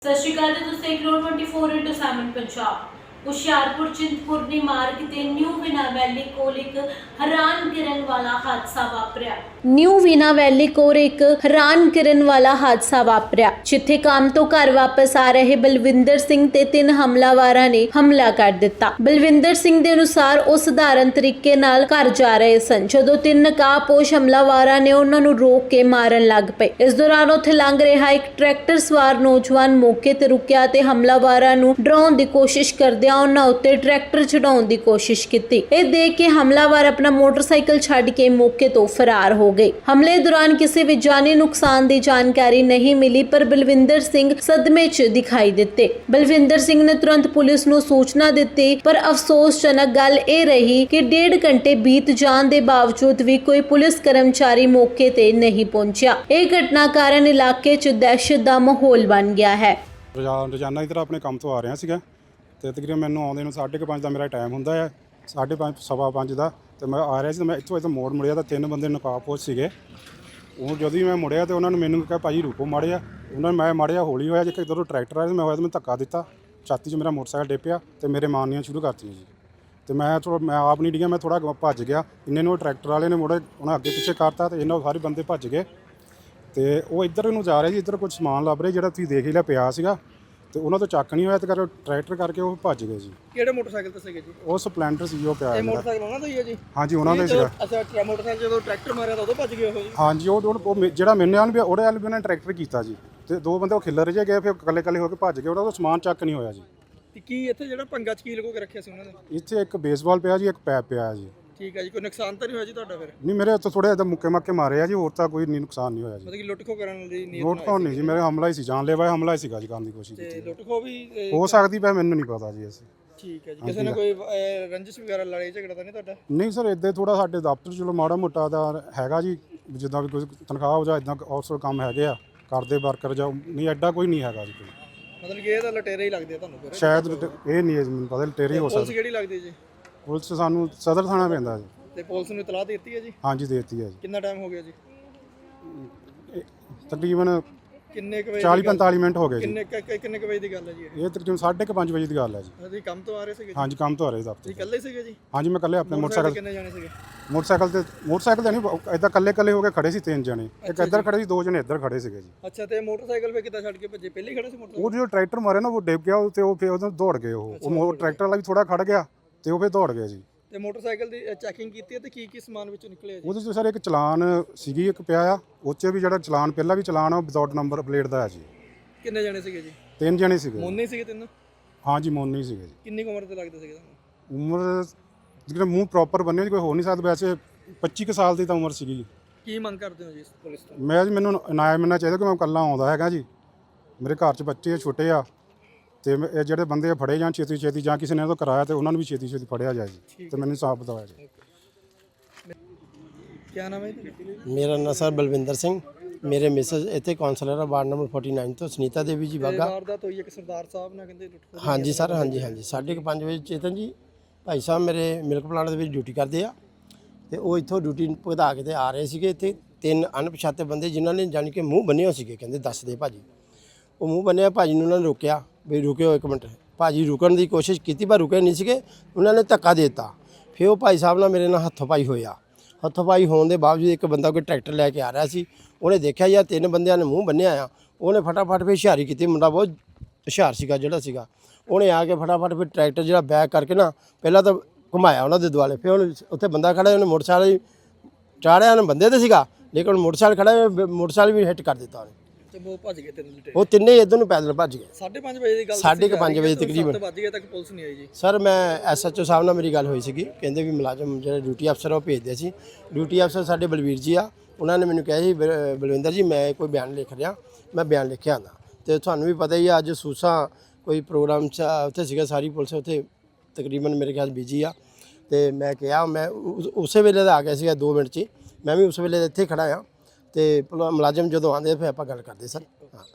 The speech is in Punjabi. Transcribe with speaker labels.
Speaker 1: ਸਤਿ ਸ਼੍ਰੀ ਅਕਾਲ ਜੀ, ਤੁਸੀਂ ਦੇਖ ਰਹੇ ਹੋ 24/7 ਪੰਜਾਬ। ਹੁਸ਼ਿਆਰਪੁਰ ਚਿੰਤਪੁਰਨੀ ਮਾਰਗ ਤੇ ਨਿਊ ਵਿਨਾ ਵੈਲੀ ਕੋਲ ਇੱਕ ਹੈਰਾਨ ਕਰਨ ਵਾਲਾ ਹਾਦਸਾ ਵਾਪਰਿਆ। ਨਿਊ ਵਿਨਾ ਵੈਲੀ ਕੋਲ ਇੱਕ ਹੈਰਾਨ ਕਰਨ ਵਾਲਾ ਹਾਦਸਾ ਵਾਪਰਿਆ, ਜਿੱਥੇ ਕੰਮ ਤੋਂ ਘਰ ਵਾਪਸ ਆ ਰਹੇ ਬਲਵਿੰਦਰ ਸਿੰਘ ਤੇ 3 ਹਮਲਾਵਰਾਂ ਨੇ ਹਮਲਾ ਕਰ ਦਿੱਤਾ। ਬਲਵਿੰਦਰ ਸਿੰਘ ਦੇ ਅਨੁਸਾਰ ਉਹ ਸਧਾਰਨ ਤਰੀਕੇ ਨਾਲ ਘਰ ਜਾ ਰਹੇ ਸਨ, ਜਦੋਂ 3 ਨਕਾਬਪੋਸ਼ ਹਮਲਾਵਰਾਂ ਨੇ ਉਹਨਾਂ ਨੂੰ ਰੋਕ ਕੇ ਮਾਰਨ ਲੱਗ ਪਏ। ਇਸ ਦੌਰਾਨ ਉੱਥੇ ਲੰਘ ਰਿਹਾ ਇੱਕ ਟਰੈਕਟਰ ਸਵਾਰ ਨੌਜਵਾਨ ਮੌਕੇ ਤੇ ਰੁਕਿਆ ਤੇ ਹਮਲਾਵਰਾਂ ਨੂੰ ਡਰਾਉਣ ਦੀ ਕੋਸ਼ਿਸ਼ ਕਰਦਿਆਂ ਉਹਨਾਂ ਉੱਤੇ ਟਰੈਕਟਰ ਚੜਾਉਣ ਦੀ ਕੋਸ਼ਿਸ਼ ਕੀਤੀ। ਇਹ ਦੇਖ ਕੇ ਹਮਲਾਵਰ ਆਪਣਾ ਮੋਟਰਸਾਈਕਲ ਛੱਡ ਕੇ ਮੌਕੇ ਤੋਂ ਫਰਾਰ ਹੋ ਗਏ। ਹਮਲੇ ਦੌਰਾਨ ਕਿਸੇ ਵੀ ਜਾਨੀ ਨੁਕਸਾਨ ਦੀ ਜਾਣਕਾਰੀ ਨਹੀਂ ਮਿਲੀ, ਪਰ ਬਲਵਿੰਦਰ ਸਿੰਘ ਸਦਮੇ 'ਚ ਦਿਖਾਈ ਦਿੱਤੇ। ਬਲਵਿੰਦਰ ਸਿੰਘ ਨੇ ਤੁਰੰਤ ਪੁਲਿਸ ਨੂੰ ਸੂਚਨਾ ਦਿੱਤੀ, ਪਰ ਅਫਸੋਸਜਨਕ ਗੱਲ ਇਹ ਰਹੀ ਕਿ 1.5 ਘੰਟੇ ਬੀਤ ਜਾਣ ਦੇ ਬਾਵਜੂਦ ਵੀ ਕੋਈ ਪੁਲਿਸ ਕਰਮਚਾਰੀ ਮੌਕੇ ਤੇ ਨਹੀਂ ਪਹੁੰਚਿਆ। ਇਹ ਘਟਨਾ ਕਾਰਨ ਇਲਾਕੇ 'ਚ ਦਹਿਸ਼ਤ ਦਾ ਮਾਹੌਲ ਬਣ ਗਿਆ ਹੈ।
Speaker 2: ਰੋਜ਼ਾਨਾ ਇੱਧਰ ਆਪਣੇ ਕੰਮ ਤੋਂ ਆ ਰਿਹਾ ਸੀਗਾ ਤੇ ਤਕਰੀਬਨ ਮੈਨੂੰ ਆਉਂਦੇ ਨੂੰ 5:30 ਦਾ ਮੇਰਾ ਟਾਈਮ ਹੁੰਦਾ ਹੈ, 5:30 ਸਵਾ 5 ਦਾ। ਤੇ ਮੈਂ ਆ ਰਿਹਾ ਸੀ, ਮੈਂ ਇੱਥੋਂ ਮੋੜ ਮੁੜਿਆ ਤਾਂ 3 ਬੰਦੇ ਨਕਾਬਪੋਸ਼ ਸੀਗੇ। ਉਹ ਜਦੋਂ ਹੀ ਮੈਂ ਮੁੜਿਆ ਤੇ ਉਹਨਾਂ ਨੇ ਮੈਨੂੰ ਕਿਹਾ ਭਾਜੀ ਰੁਕੋ ਮਾੜਿਆ। ਉਹਨਾਂ ਨੇ ਮੈਂ ਮਾੜਿਆ ਹੌਲੀ ਹੋਇਆ, ਜਿੱਥੇ ਇੱਧਰੋਂ ਟਰੈਕਟਰ ਆਇਆ ਮੈਂ ਹੋਇਆ ਤੇ ਮੈਂ ਧੱਕਾ ਦਿੱਤਾ, ਛਾਤੀ 'ਚ ਮੇਰਾ ਮੋਟਰਸਾਈਕਲ ਡਿੱਪਿਆ ਤੇ ਮੇਰੇ ਮਾਰਨੀਆਂ ਸ਼ੁਰੂ ਕਰਤੀਆਂ ਜੀ। ਤੇ ਮੈਂ ਆਪ ਨਹੀਂ ਡਿੱਗਿਆ, ਮੈਂ ਥੋੜ੍ਹਾ ਭੱਜ ਗਿਆ। ਇੰਨੇ ਨੂੰ ਟਰੈਕਟਰ ਵਾਲੇ ਨੇ ਮੁੜੇ, ਉਹਨਾਂ ਅੱਗੇ ਪਿੱਛੇ ਕਰਤਾ ਤੇ ਇਹਨਾਂ ਸਾਰੇ ਬੰਦੇ ਭੱਜ ਗਏ। ਤੇ ਉਹ ਇੱਧਰ ਨੂੰ ਜਾ ਰਹੇ ਸੀ, ਇੱਧਰ ਕੁਝ ਸਮਾਨ ਲੱਭ ਰਹੇ ਜਿਹੜਾ ਤੁਸੀਂ ਦੇਖ ਹੀ ਲਿਆ ਪਿਆ ਸੀਗਾ, ਤੇ ਉਹਨਾਂ ਤੋਂ ਚੱਕ ਨਹੀਂ ਹੋਇਆ ਤੇ ਟਰੈਕਟਰ ਕਰਕੇ ਉਹ ਭੱਜ ਗਏ ਜੀ।
Speaker 3: ਕਿਹੜੇ ਮੋਟਰਸਾਈਕਲ ਤੇ ਸੀਗੇ ਜੀ?
Speaker 2: ਉਹ ਸਪਲੈਂਡਰ ਸੀ ਉਹ ਪਿਆ।
Speaker 3: ਇਹ ਮੋਟਰਸਾਈਕਲ ਉਹਨਾਂ ਦਾ ਹੀ ਹੈ ਜੀ?
Speaker 2: ਹਾਂਜੀ ਉਹਨਾਂ ਦਾ ਸੀਗਾ।
Speaker 3: ਅੱਛਾ, ਮੋਟਰਸਾਈਕਲ ਜਦੋਂ ਟਰੈਕਟਰ ਮਾਰਿਆ ਤਾਂ ਉਦੋਂ ਭੱਜ ਗਏ ਉਹ ਜੀ? ਹਾਂਜੀ,
Speaker 2: ਉਹ ਜਿਹੜਾ ਮੈਨੂੰ ਵਾਲ ਵੀ ਉਹਦੇ ਵਾਲ ਵੀ ਉਹਨਾਂ ਨੇ ਟਰੈਕਟਰ ਕੀਤਾ ਜੀ, ਤੇ 2 ਬੰਦੇ ਉਹ ਖਿੱਲਰ ਜੇ ਗਏ, ਫਿਰ ਇਕੱਲੇ ਹੋ ਕੇ ਭੱਜ ਗਏ। ਉਹਦਾ ਸਮਾਨ ਚੱਕ ਨਹੀਂ ਹੋਇਆ ਜੀ।
Speaker 3: ਤੇ ਕੀ ਇੱਥੇ ਜਿਹੜਾ ਪੰਗਾ ਚ ਕੀ ਲਗੋ ਕੇ ਰੱਖਿਆ ਸੀ ਉਹਨਾਂ ਨੇ?
Speaker 2: ਇੱਥੇ ਇੱਕ ਬੇਸਬਾਲ ਪਿਆ ਜੀ, ਇੱਕ ਪੈਪ ਪਿਆ ਜੀ।
Speaker 3: ਠੀਕ ਹੈ ਜੀ, ਕੋਈ ਨੁਕਸਾਨ ਤਾਂ ਨਹੀਂ ਹੋਇਆ ਜੀ ਤੁਹਾਡਾ? ਫਿਰ
Speaker 2: ਨਹੀਂ, ਮੇਰੇ ਉੱਤੇ ਥੋੜੇ ਇੱਦਾਂ ਮੁੱਕੇ ਮਾਕੇ ਮਾਰੇ ਆ ਜੀ, ਹੋਰ ਤਾਂ ਕੋਈ ਨੁਕਸਾਨ ਨਹੀਂ ਹੋਇਆ ਜੀ।
Speaker 3: ਮਤਲਬ ਕਿ ਲੁੱਟ ਖੋ ਕਰਨ ਦੀ ਨੀਅਤ
Speaker 2: ਲੁੱਟ ਖੋਹ ਨਹੀਂ ਜੀ, ਮੇਰੇ ਹਮਲਾ ਹੀ ਸੀ, ਜਾਨਲੇਵਾ ਹਮਲਾ ਹੀ ਸੀਗਾ ਜੀ, ਕਰਨ ਦੀ ਕੋਸ਼ਿਸ਼
Speaker 3: ਤੇ
Speaker 2: ਕੀਤੀ।
Speaker 3: ਲੁੱਟ ਖੋ ਵੀ
Speaker 2: ਹੋ ਸਕਦੀ ਪਈ, ਮੈਨੂੰ ਨਹੀਂ ਪਤਾ ਜੀ। ਅਸੀਂ
Speaker 3: ਠੀਕ ਹੈ ਜੀ, ਕਿਸੇ ਨੇ ਕੋਈ ਰੰਜਿਸ਼ ਵਗੈਰਾ ਲੜਾਈ ਝਗੜਾ ਤਾਂ ਨਹੀਂ ਤੁਹਾਡਾ?
Speaker 2: ਨਹੀਂ ਸਰ, ਇੱਦਾਂ ਥੋੜਾ ਸਾਡੇ ਦਫ਼ਤਰ ਚਲੋ ਮਾੜਾ ਮੋਟਾ ਦਾ ਹੈਗਾ ਜੀ, ਜਿੱਦਾਂ ਵੀ ਕੋਈ ਤਨਖਾਹ ਹੋ ਜਾ ਇੱਦਾਂ ਆਊਟਸੋਰ ਕੰਮ ਹੈਗੇ ਆ, ਕਰਦੇ ਵਰਕਰ ਜਾਂ ਨਹੀਂ, ਐਡਾ ਕੋਈ ਨਹੀਂ ਹੈਗਾ ਜੀ ਕੋਈ।
Speaker 3: ਮਤਲਬ ਕਿ ਇਹ ਤਾਂ ਲਟੇਰੇ ਹੀ ਲੱਗਦੇ ਆ ਤੁਹਾਨੂੰ? ਫਿਰ
Speaker 2: ਸ਼ਾਇਦ ਇਹ ਨਹੀਂ ਹੈ ਜੀ, ਮੈਨੂੰ ਪਤਾ ਲਟੇਰੇ ਹੋ
Speaker 3: ਪੁਲਿਸ
Speaker 2: ਸਕਦਾ।
Speaker 3: ਕਿਹੜੀ ਲੱਗਦੀ ਜੀ?
Speaker 2: ਪੁਲਿਸ ਸਾਨੂੰ ਸਦਰ ਥਾਣਾ ਪੈਂਦਾ ਜੀ।
Speaker 3: ਤੇ ਪੁਲਿਸ ਨੂੰ ਇਤਲਾਹ ਦੇ ਦਿੱਤੀ ਹੈ ਜੀ?
Speaker 2: ਹਾਂਜੀ ਦੇ ਦਿੱਤੀ ਹੈ ਜੀ।
Speaker 3: ਕਿੰਨਾ ਟਾਈਮ ਹੋ ਗਿਆ ਜੀ?
Speaker 2: ਤਕਰੀਬਨ
Speaker 3: ਕਿੰਨੇ ਕੁ ਵਜੇ?
Speaker 2: 40-45 ਮਿੰਟ ਹੋ ਗਏ ਜੀ।
Speaker 3: ਕਿੰਨੇ ਕੁ ਵਜੇ ਦੀ ਗੱਲ ਹੈ ਜੀ?
Speaker 2: ਇਹ ਤਕਰੀਬਨ 5:30 ਵਜੇ ਦੀ ਗੱਲ ਹੈ ਜੀ।
Speaker 3: ਤੁਸੀਂ ਕੰਮ ਤੋਂ ਆ ਰਹੇ ਸੀਗੇ?
Speaker 2: ਹਾਂਜੀ, ਕੰਮ ਤੋਂ ਆ ਰਹੇ ਦਫ਼ਤਰ।
Speaker 3: ਤੁਸੀਂ ਇਕੱਲੇ ਸੀਗੇ ਜੀ?
Speaker 2: ਹਾਂਜੀ, ਮੈਂ ਇਕੱਲੇ ਆਪਣੇ ਮੋਟਰਸਾਈਕਲ।
Speaker 3: ਕਿੰਨੇ ਜਾਣੇ ਸੀਗੇ
Speaker 2: ਮੋਟਰਸਾਈਕਲ ਤੇ ਨਹੀਂ, ਇਦਾਂ ਇਕੱਲੇ ਹੋ ਕੇ ਖੜੇ ਸੀ 3 ਜਣੇ। ਇੱਕ ਇੱਧਰ ਖੜੇ ਸੀ, 2 ਜਣੇ ਇੱਧਰ ਖੜੇ ਸੀਗੇ ਜੀ।
Speaker 3: ਅੱਛਾ, ਤੇ ਮੋਟਰਸਾਈਕਲ ਫੇ ਕਿੱਦਾਂ ਛੱਡ ਕੇ ਭੱਜੇ? ਪਹਿਲੇ ਹੀ ਖੜੇ ਸੀ ਮੋਟਰਸਾਈਕਲ?
Speaker 2: ਉਹ ਜਦੋਂ ਟਰੈਕਟਰ ਮਾਰੇ ਨਾ, ਉਹ ਡਿੱਗ ਗਿਆ ਤੇ ਉਹ ਫਿਰ ਉਦੋਂ ਦੌੜ ਗਏ। ਉਹ ਟਰੈਕਟਰ ਵਾਲਾ ਵੀ ਥੋੜਾ ਖੜ ਗਿਆ ਤੇ ਉਹ ਫਿਰ ਦੌੜ ਗਏ ਜੀ।
Speaker 3: ਤੇ ਮੋਟਰਸਾਈਕਲ ਦੀ ਚੈਕਿੰਗ ਕੀਤੀ ਹੈ ਤੇ ਕੀ ਸਮਾਨ ਵਿੱਚੋਂ ਨਿਕਲਿਆ ਜੀ?
Speaker 2: ਉਹਦੇ 'ਚ ਸਰ ਇੱਕ ਚਲਾਨ ਸੀਗੀ, ਇੱਕ ਪਿਆ ਆ। ਉਹ 'ਚ ਵੀ ਜਿਹੜਾ ਚਲਾਨ ਪਹਿਲਾਂ ਵੀ ਚਲਾਨ ਆ, ਉਹ ਵਿਦਆਊਟ ਨੰਬਰ ਪਲੇਟ ਦਾ ਹੈ ਜੀ।
Speaker 3: ਕਿੰਨੇ ਜਣੇ ਸੀਗੇ ਜੀ?
Speaker 2: 3 ਜਣੇ ਸੀਗੇ।
Speaker 3: ਮੋਨੇ ਸੀਗੇ 3?
Speaker 2: ਹਾਂਜੀ, ਮੋਨੇ ਸੀਗੇ ਜੀ।
Speaker 3: ਕਿੰਨੀ ਉਮਰ ਤੇ ਲੱਗਦੇ ਸੀਗੇ ਤੁਹਾਨੂੰ?
Speaker 2: ਉਮਰ ਜਿਹੜਾ ਮੂੰਹ ਪ੍ਰੋਪਰ ਬੰਨਿਆ ਕੋਈ ਹੋ ਨਹੀਂ ਸਕਦਾ, ਵੈਸੇ 25 ਕੁ ਸਾਲ ਦੀ ਤਾਂ ਉਮਰ ਸੀਗੀ ਜੀ।
Speaker 3: ਕੀ ਮੰਗ ਕਰਦੇ ਹੋ ਜੀ ਪੁਲਿਸ ਤੋਂ?
Speaker 2: ਮੈਨੂੰ ਇਨਾਮ ਮਿਲਣਾ ਚਾਹੀਦਾ ਕਿ ਮੈਂ ਇਕੱਲਾ ਆਉਂਦਾ ਹੈਗਾ ਜੀ। ਮੇਰੇ ਘਰ 'ਚ ਬੱਚੇ ਛੋਟੇ ਆ, ਤੇ ਇਹ ਜਿਹੜੇ ਬੰਦੇ ਫੜੇ ਜਾਣ ਛੇਤੀ ਜਾਂ ਕਿਸੇ ਨੇ ਉਹ ਕਰਾਇਆ ਤੇ ਉਹਨਾਂ ਨੂੰ ਵੀ ਛੇਤੀ ਫੜਿਆ ਜਾਏ ਜੀ, ਤੇ ਮੈਨੂੰ ਸਾਫ਼ ਬਤਾਇਆ ਜੀ।
Speaker 3: ਕੀ ਨਾਮ ਹੈ ਜੀ?
Speaker 4: ਮੇਰਾ ਨਾਮ ਸਰ ਬਲਵਿੰਦਰ ਸਿੰਘ। ਮੇਰੇ ਮਿਸਸ ਇੱਥੇ ਕਾਉਂਸਲਰ ਆ ਵਾਰਡ ਨੰਬਰ 49 ਤੋਂ, ਸੁਨੀਤਾ ਦੇਵੀ ਜੀ ਬਾਗਾ।
Speaker 3: ਵਾਰਦਾਤ ਹੋਈ ਇੱਕ ਸਰਦਾਰ ਸਾਹਿਬ ਨਾਲ ਕਹਿੰਦੇ ਲੁੱਟ ਖੋਹ?
Speaker 4: ਹਾਂਜੀ ਸਰ, ਹਾਂਜੀ 5:30 ਵਜੇ ਚੇਤਨ ਜੀ ਭਾਈ ਸਾਹਿਬ ਮੇਰੇ ਮਿਲਕ ਪਲਾਂਟ ਦੇ ਵਿੱਚ ਡਿਊਟੀ ਕਰਦੇ ਆ, ਤੇ ਉਹ ਇੱਥੋਂ ਡਿਊਟੀ ਭੁਗਤਾ ਕੇ ਤੇ ਆ ਰਹੇ ਸੀਗੇ। ਇੱਥੇ 3 ਅਣਪਛਾਤੇ ਬੰਦੇ ਜਿਨ੍ਹਾਂ ਨੇ ਜਾਣੀ ਕਿ ਮੂੰਹ ਬੰਨੇ ਹੋਏ ਸੀਗੇ, ਕਹਿੰਦੇ ਦੱਸਦੇ ਭਾਜੀ। ਉਹ ਮੂੰਹ ਬੰਨਿਆ ਭਾਜੀ ਨੂੰ ਉਹਨਾਂ ਨੇ ਰੋਕਿਆ ਵੀ ਰੁਕਿਓ 1 ਮਿੰਟ। ਭਾਜੀ ਰੁਕਣ ਦੀ ਕੋਸ਼ਿਸ਼ ਕੀਤੀ ਪਰ ਰੁਕੇ ਨਹੀਂ ਸੀਗੇ, ਉਹਨਾਂ ਨੇ ਧੱਕਾ ਦੇ ਦਿੱਤਾ। ਫਿਰ ਉਹ ਭਾਈ ਸਾਹਿਬ ਨਾਲ ਮੇਰੇ ਨਾਲ ਹੱਥੋਂ ਪਾਈ ਹੋਇਆ। ਹੱਥੋਂ ਪਾਈ ਹੋਣ ਦੇ ਬਾਵਜੂਦ ਇੱਕ ਬੰਦਾ ਕੋਈ ਟਰੈਕਟਰ ਲੈ ਕੇ ਆ ਰਿਹਾ ਸੀ, ਉਹਨੇ ਦੇਖਿਆ ਯਾਰ 3 ਬੰਦਿਆਂ ਨੇ ਮੂੰਹ ਬੰਨਿਆ ਆ, ਉਹਨੇ ਫਟਾਫਟ ਫਿਰ ਹੁਸ਼ਿਆਰੀ ਕੀਤੀ। ਮੁੰਡਾ ਬਹੁਤ ਹੁਸ਼ਿਆਰ ਸੀਗਾ ਜਿਹੜਾ ਸੀਗਾ, ਉਹਨੇ ਆ ਕੇ ਫਟਾਫਟ ਫਿਰ ਟਰੈਕਟਰ ਜਿਹੜਾ ਬੈਕ ਕਰਕੇ ਨਾ ਪਹਿਲਾਂ ਤਾਂ ਘੁਮਾਇਆ ਉਹਨਾਂ ਦੇ ਦੁਆਲੇ। ਫਿਰ ਉਹਨੇ ਉੱਥੇ ਬੰਦਾ ਖੜਾ, ਉਹਨੇ ਮੋਟਰਸਾਈਕਲ ਚਾੜਿਆ, ਉਹਨੇ ਬੰਦੇ ਤੇ ਸੀਗਾ ਲੇਕਿਨ ਮੋਟਰਸਾਈਕਲ ਖੜਾ, ਮੋਟਰਸਾਈਕਲ ਵੀ ਹਿੱਟ ਕਰ ਦਿੱਤਾ ਉਹਨੇ।
Speaker 3: ਤੇ ਉਹ ਭੱਜ ਗਏ 3 ਲੁੱਟੇ?
Speaker 4: ਉਹ ਤਿੰਨੇ ਇੱਧਰ ਨੂੰ ਪੈਦਲ ਭੱਜ ਗਏ।
Speaker 3: 5:30 ਵਜੇ ਦੀ ਗੱਲ?
Speaker 4: 5:30 ਵਜੇ ਤਕਰੀਬਨ।
Speaker 3: 7 ਵਜੇ ਤੱਕ ਪੁਲਿਸ ਨਹੀਂ ਆਈ ਜੀ?
Speaker 4: ਸਰ ਮੈਂ SHO ਸਾਹਿਬ ਨਾਲ ਮੇਰੀ ਗੱਲ ਹੋਈ ਸੀਗੀ, ਕਹਿੰਦੇ ਵੀ ਮੁਲਾਜ਼ਮ ਜਿਹੜੇ ਡਿਊਟੀ ਅਫਸਰ ਉਹ ਭੇਜਦੇ ਸੀ। ਡਿਊਟੀ ਅਫਸਰ ਸਾਡੇ ਬਲਵੀਰ ਜੀ ਆ, ਉਹਨਾਂ ਨੇ ਮੈਨੂੰ ਕਿਹਾ ਸੀ ਬਲਵਿੰਦਰ ਜੀ ਮੈਂ ਕੋਈ ਬਿਆਨ ਲਿਖ ਰਿਹਾ, ਮੈਂ ਬਿਆਨ ਲਿਖਿਆ ਆਉਂਦਾ। ਤੇ ਤੁਹਾਨੂੰ ਵੀ ਪਤਾ ਹੀ ਆ ਅੱਜ ਸੂਸਾ ਕੋਈ ਪ੍ਰੋਗਰਾਮ 'ਚ ਉੱਥੇ ਸੀਗਾ, ਸਾਰੀ ਪੁਲਿਸ ਉੱਥੇ ਤਕਰੀਬਨ ਮੇਰੇ ਖਿਆਲ ਬਿਜੀ ਆ। ਤੇ ਮੈਂ ਕਿਹਾ ਮੈਂ ਉਸੇ ਵੇਲੇ ਦਾ ਆ ਗਿਆ ਸੀਗਾ 2 ਮਿੰਟ 'ਚ ਹੀ, ਮੈਂ ਵੀ ਉਸ ਵੇਲੇ ਇੱਥੇ ਖੜਾ ਆ। ਤੇ ਮੁਲਾਜ਼ਮ ਜਦੋਂ ਆਉਂਦੇ ਫਿਰ ਆਪਾਂ ਗੱਲ ਕਰਦੇ ਸਰ। ਹਾਂ।